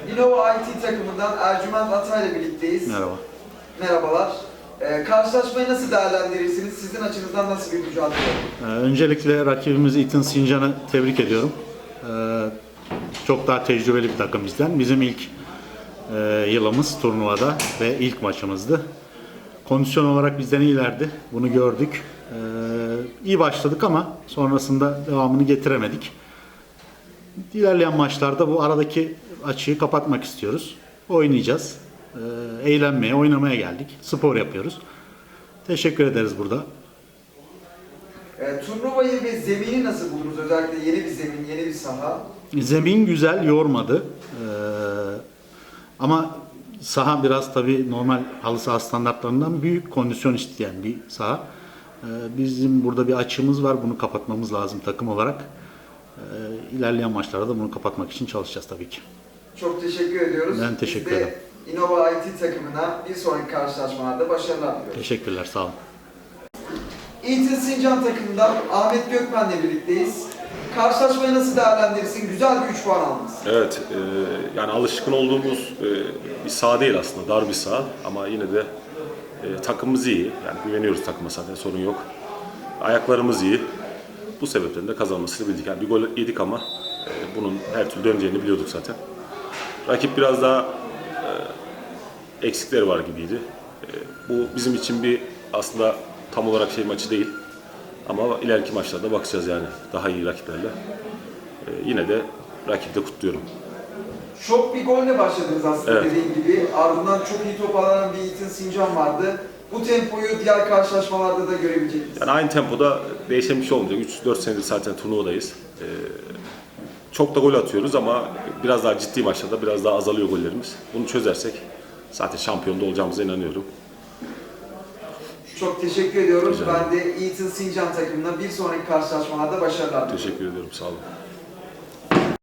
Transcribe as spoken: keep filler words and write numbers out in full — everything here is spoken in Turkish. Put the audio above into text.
Innova I T takımından Ercüment Atay ile birlikteyiz. Merhaba. Merhabalar. Ee, karşılaşmayı nasıl değerlendirirsiniz? Sizin açınızdan nasıl bir mücadele oldu? Ee, öncelikle rakibimiz Eton Sincan'ı tebrik ediyorum. Ee, çok daha tecrübeli bir takım bizden. Bizim ilk e, yılımız turnuvada ve ilk maçımızdı. Kondisyon olarak bizden iyilerdi. Bunu gördük. Ee, iyi başladık ama sonrasında devamını getiremedik. İlerleyen maçlarda bu aradaki açığı kapatmak istiyoruz. Oynayacağız. Ee, eğlenmeye, oynamaya geldik. Spor yapıyoruz. Teşekkür ederiz burada. Ee, turnuvayı ve zemini nasıl buldunuz? Özellikle yeni bir zemin, yeni bir saha. Zemin güzel, yormadı. Ee, ama saha biraz tabii normal halı saha standartlarından büyük kondisyon isteyen bir saha. Ee, bizim burada bir açığımız var. Bunu kapatmamız lazım takım olarak. Ee, ilerleyen maçlarda da bunu kapatmak için çalışacağız tabii ki. Çok teşekkür ediyoruz. Ben teşekkür Biz de ederim. Innova I T takımına bir sonraki karşılaşmalarda başarılar diliyoruz. Teşekkürler, sağ olun. Eton Sincan takımından Ahmet Gökmen'le birlikteyiz. Karşılaşmayı nasıl değerlendirirsin? Güzel bir üç puan aldınız. Evet, e, yani alışkın olduğumuz e, bir saha değil aslında, dar bir saha ama yine de e, takımımız iyi. Yani güveniyoruz takıma, zaten sorun yok. Ayaklarımız iyi. Bu sebepten de kazanmasını bildik. Yani bir gol yedik ama e, bunun her türlü döneceğini biliyorduk zaten. Rakip biraz daha e, eksikleri var gibiydi. E, bu bizim için bir aslında tam olarak şey maçı değil. Ama ileriki maçlarda bakacağız yani daha iyi rakiplerle. Ee, yine de rakibi de kutluyorum. Şok bir golle başladınız aslında Evet. dediğim gibi. Ardından çok iyi toparlanan bir Eton Sincan vardı. Bu tempoyu diğer karşılaşmalarda da görebilecek miyiz? Yani aynı tempoda değişen bir şey olmayacak. üç dört senedir zaten turnuvadayız. Ee, çok da gol atıyoruz ama biraz daha ciddi maçlarda biraz daha azalıyor gollerimiz. Bunu çözersek zaten şampiyonda olacağımıza inanıyorum. Çok teşekkür ediyorum. Rica Ben de Eton Sincan takımına bir sonraki karşılaşmalarda başarılar diliyorum. Teşekkür ediyorum. Sağ olun.